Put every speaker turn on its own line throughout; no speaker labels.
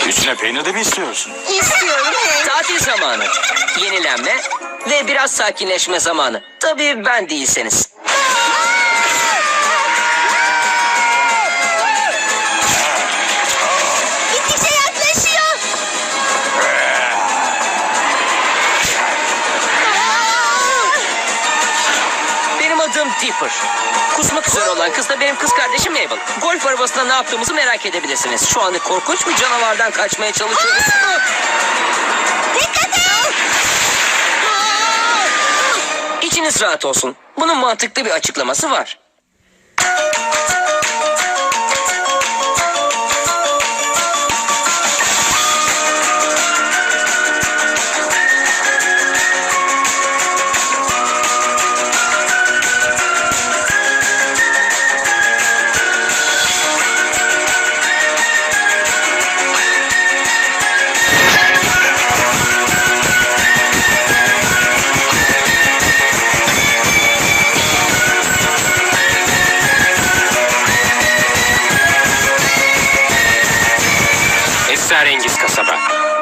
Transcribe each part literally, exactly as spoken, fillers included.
Üstüne peynir de mi istiyorsun?
İstiyorum Hank.
Tatil zamanı, yenilenme ve biraz sakinleşme zamanı. Tabii ben değilseniz.
Gittikçe yaklaşıyor.
Benim adım Dipper. Kusmak üzere olan kız da benim kız kardeşim Mabel. Golf arabasında ne yaptığımızı merak edebilirsiniz. Şu anda korkunç bir canavardan kaçmaya çalışıyoruz.
Dikkat et.
İçiniz rahat olsun. Bunun mantıklı bir açıklaması var.
Esrarengiz kasaba.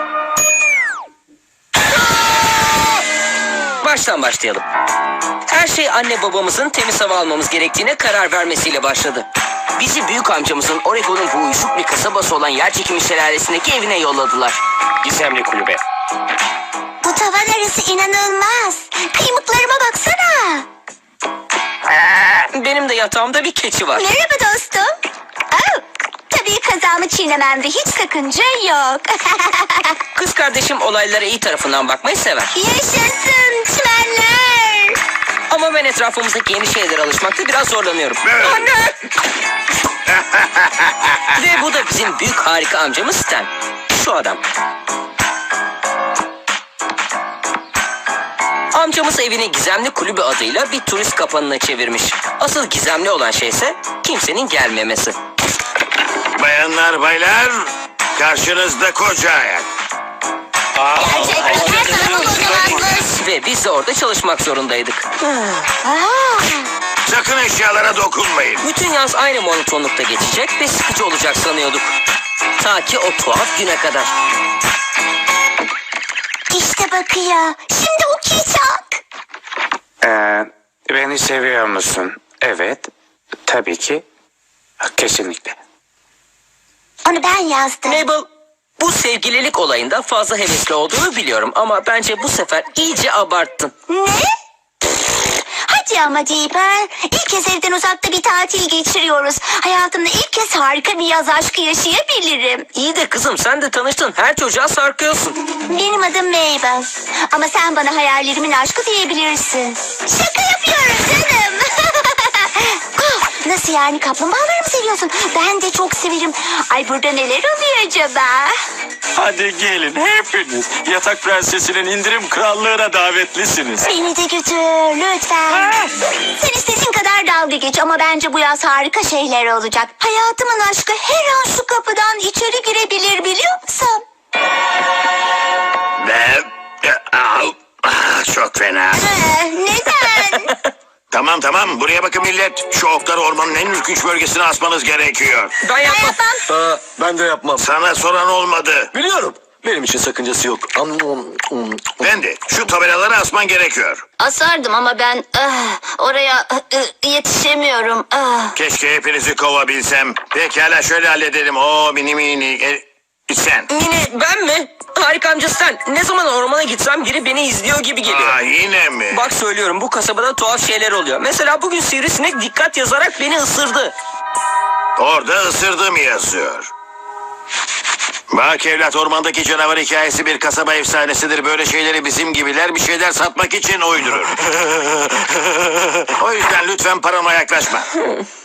Baştan başlayalım. Her şey anne babamızın temiz hava almamız gerektiğine karar vermesiyle başladı. Bizi büyük amcamızın Oregon'un bu uyuşuk bir kasabası olan Yerçekimi Şelalesi'ndeki evine yolladılar.
Gizemli kulübe.
Bu tavan arası inanılmaz. Kıymıklarıma baksana.
Benim de yatağımda bir keçi var.
Merhaba dostum. Oh, tabii kazağımı çiğnememde hiç sakınca yok.
Kız kardeşim olaylara iyi tarafından bakmayı sever.
Yaşasın çimenler.
Ama ben etrafımızdaki yeni şeylere alışmakta biraz zorlanıyorum.
Anne!
Ve bu da bizim büyük harika amcamız Stan. Şu adam. Amcamız evini Gizemli Kulübü adıyla bir turist kapanına çevirmiş. Asıl gizemli olan şey ise kimsenin gelmemesi.
Bayanlar baylar, karşınızda koca ayak.
Gerçekten her tarafı kocamanmış.
Ve biz de orada çalışmak zorundaydık.
Aa,
Sakın eşyalara dokunmayın.
Bütün yaz aynı monotonlukta geçecek ve sıkıcı olacak sanıyorduk. Ta ki o tuhaf güne kadar.
işte bakıyor. Şimdi okuyacak.
Ee, beni seviyor musun? Evet. Tabii ki. Kesinlikle.
Onu ben yazdım.
Mabel, bu sevgililik olayında fazla hevesli olduğunu biliyorum ama bence bu sefer iyice abarttın.
Ne? Hadi ama Dipper. İlk kez evden uzakta bir tatil geçiriyoruz. Hayatımda ilk kez harika bir yaz aşkı yaşayabilirim.
İyi de kızım sen de tanıştın. Her çocuğa sarkıyorsun.
Benim adım Mabel. Ama sen bana hayallerimin aşkı diyebilirsin. Şaka yapıyorum canım. Ah, nasıl yani, kaplumbağaları mı seviyorsun? Ben de çok severim. Ay, burada neler oluyor acaba?
Hadi gelin hepiniz. Yatak Prensesi'nin indirim krallığına davetlisiniz.
Beni de götür lütfen. Sen istediğin kadar dalga geç ama bence bu yaz harika şeyler olacak. Hayatımın aşkı her an şu kapıdan içeri girebilir, biliyor musun?
Ve... Au, ah, çok fena.
Ee, neden?
Tamam tamam, buraya bakın millet. Şu okları ormanın en ürkünç bölgesine asmanız gerekiyor.
Ben yapmam.
Yapmam.
Aa, ben de yapmam.
Sana soran olmadı.
Biliyorum. Benim için sakıncası yok.
Ben de şu tabelaları asman gerekiyor.
Asardım ama ben ah, oraya ah, yetişemiyorum. Ah.
Keşke hepinizi kovabilsem. Pekala, şöyle halledelim. O mini mini. E, sen.
Yine ben mi? Harika amca sen. Ne zaman ormana gitsem biri beni izliyor gibi geliyor.
Aa, yine mi?
Bak söylüyorum, bu kasabada tuhaf şeyler oluyor. Mesela bugün sivrisinek dikkat yazarak beni ısırdı.
Orada ısırdım yazıyor. Bak evlat, ormandaki canavar hikayesi bir kasaba efsanesidir. Böyle şeyleri bizim gibiler bir şeyler satmak için uydurur. O yüzden lütfen parama yaklaşma.